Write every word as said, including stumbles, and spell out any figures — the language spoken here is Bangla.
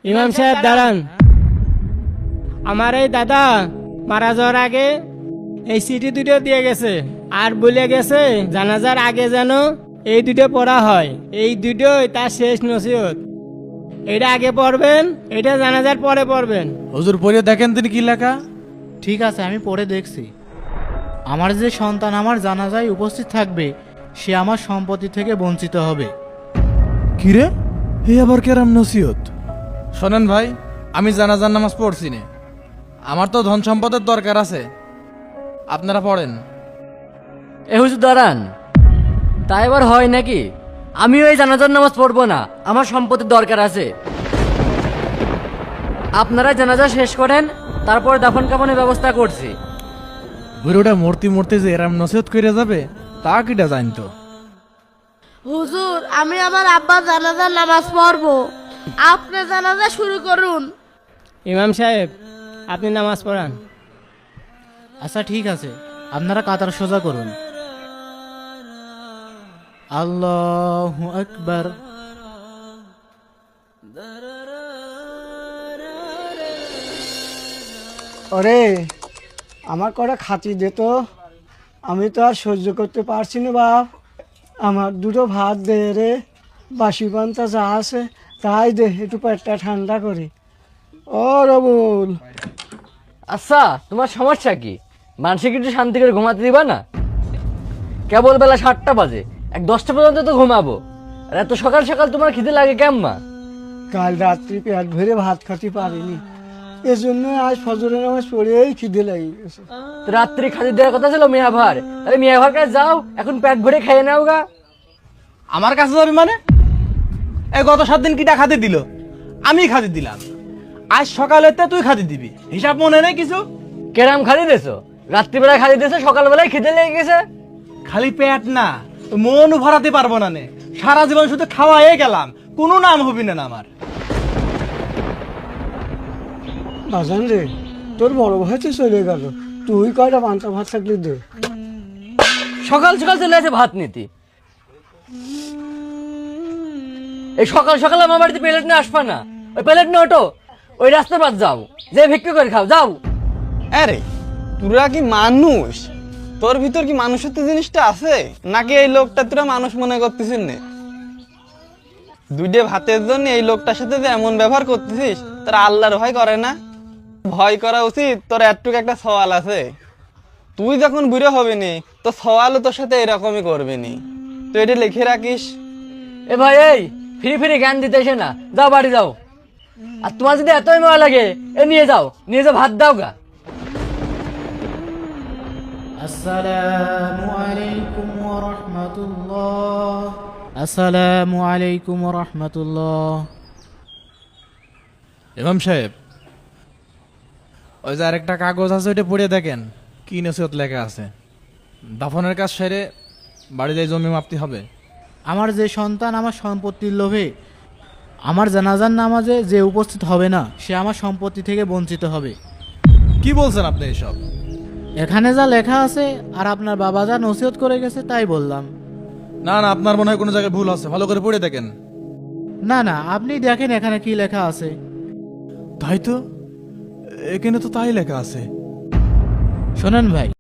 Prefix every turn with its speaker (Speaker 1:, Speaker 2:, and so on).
Speaker 1: ইমাম সাহেব দাঁড়ান। আমার এই দাদা মারা যাওয়ার আগে এই চিঠি দুটো দিয়ে গেছে আর বলে গেছে জানাজার আগে যেন এই দুটো পড়া হয়। এই দুটোই তার শেষ নসিহত। এটা আগে পড়বেন, এটা জানাজার পরে পড়বেন।
Speaker 2: হুজুর পড়ে দেখেন তিনি কি লেখা।
Speaker 3: ঠিক আছে, আমি পড়ে দেখছি। আমার যে সন্তান আমার জানাজায় উপস্থিত থাকবে সে আমার সম্পত্তি থেকে বঞ্চিত হবে।
Speaker 2: কিরে হে আবার কেরাম নসিহত। শোনেন ভাই, আমি জানাজার নামাজ পড়ছি না, আমার তো ধন সম্পদের দরকার আছে, আপনারা পড়েন।
Speaker 4: এ হুজুর দাঁড়ান, তাই এবার হয় নাকি? আমিও এই জানাজার নামাজ পড়বো না, আমার সম্পত্তির দরকার আছে। আপনারা জানাজা শেষ করেন, তারপর দাফন কাফনের ব্যবস্থা করছি।
Speaker 2: বুড়োটা মূর্তি মূর্তি যে এরাম নসিহত করে যাবে তা কিটা জানতো।
Speaker 5: হুজুর, আমি আমার আব্বা জানাজার নামাজ পড়বো, আপনি জানাজা শুরু করুন।
Speaker 1: ইমাম সাহেব আপনি নামাজ পড়ান।
Speaker 3: আচ্ছা ঠিক আছে, আপনারা কাতার সোজা করুন। আল্লাহু আকবার।
Speaker 6: ওরে আমার কটা খাতি দে তো, আমি তো আর সহ্য করতে পারছি না বাপ। আমার দুটো ভাত দে রে, বাসি পান্তা যা আছে তাই দে, একটু পেটটা ঠান্ডা করি। ও রবুল,
Speaker 4: আচ্ছা তোমার সমস্যা কি? মানসিক একটু শান্তি করে ঘুমাতে দিবা না? কেবল বেলা সাতটা বাজে, এক দশটা পর্যন্ত তো ঘুমাবো, আর এত সকাল সকাল তোমার খিদে লাগে কেম্মা?
Speaker 6: কাল রাত্রি পেট ভরে ভাত খাতে পারিনি, এজন্য আজ ফজরের নামাজ পড়েই খিদে লেগে গেছে।
Speaker 4: তো রাত্রি খাদি দেওয়ার কথা ছিল মিয়া ভার, তাহলে মিয়া ভার কাছে যাও, এখন পেট ভরে খেয়ে নাও গা।
Speaker 2: আমার কাছে যাবি মানে? এই গত সাত দিন কিটা খাতে দিল, আমি খাতে দিলাম, আজ সকালেতে তুই খাতে দিবি, হিসাব মনে নেই কিছু?
Speaker 4: কেরাম খালি দেছো? রাত্রিবেলা খালি দেছো, সকালবেলায় খিদে লেগে গেছে।
Speaker 2: খালি পেট না, মনও ভরাতে পারবো না নে, সারা জীবন শুধু খাওয়াই গেলাম, কোনো নাম হবি না আমার।
Speaker 6: বাজান রে, তোর বড় ভাই তো চলে গেল, তুই কয়টা পান্তা ভাত থাকলি দে।
Speaker 4: সকাল সকাল চলে আছে ভাত নিতি, এই সকাল সকাল আমার বাড়িতে প্লেট নিয়ে আসবা না। ওই প্লেট নিয়ে ওঠো, ওই রাস্তার পাশ যাও, যে ভিক্ষা করে খাও, যাও।
Speaker 7: আরে তোরা কি মানুষ? তোর ভিতর কি মানুষত্ব জিনিসটা আছে নাকি এই লোকটা তোরা মানুষ মনে করতেছিস না? দুইটা ভাতের জন্য এই লোকটার সাথে যে এমন ব্যবহার করতেছিস, তোর আল্লাহর ভয় করে না? ভয় করা উচিত। তোর একটুকু একটা সওয়াল আছে, তুই যখন বুড়ো হবি নি তো সওয়ালও তোর সাথে এরকমই করবি নি, তুই এটা লিখে রাখিস।
Speaker 4: এ ভাই, এই ফিরি ফিরি জ্ঞান দিতে এসে না, যাও বাড়ি যাও। আর তোমার যদি এতই মজা লাগে, এ নিয়ে যাও, নিয়ে যাও, ভাত দাও গা।
Speaker 3: আসসালামু আলাইকুম ওয়া রাহমাতুল্লাহ। আসসালামু আলাইকুম ওয়া রাহমাতুল্লাহ।
Speaker 2: ইমাম সাহেব, ওই যে আরেকটা কাগজ আছে, ওইটা পড়ে দেখেন কি নসিহত লেখা আছে। দাফনের কাজ সেরে বাড়ি যাই জমি মাপতে হবে।
Speaker 3: আমার যে সন্তান আমার সম্পত্তির লোভে আমার জানাজার নামাজে যে উপস্থিত হবে না সে আমার সম্পত্তি থেকে বঞ্চিত হবে।
Speaker 2: কি বলছেন আপনি এসব?
Speaker 3: এখানে যা লেখা আছে আর আপনার বাবা যা নসিহত করে গেছে তাই বললাম।
Speaker 2: না না, আপনার মনে হয় কোনো জায়গায় ভুল আছে, ভালো করে পড়ে দেখেন।
Speaker 3: না না, আপনি দেখেন এখানে কি লেখা আছে।
Speaker 2: তাই তো, এখানে তো তাই লেখা আছে।
Speaker 3: শোনেন ভাই,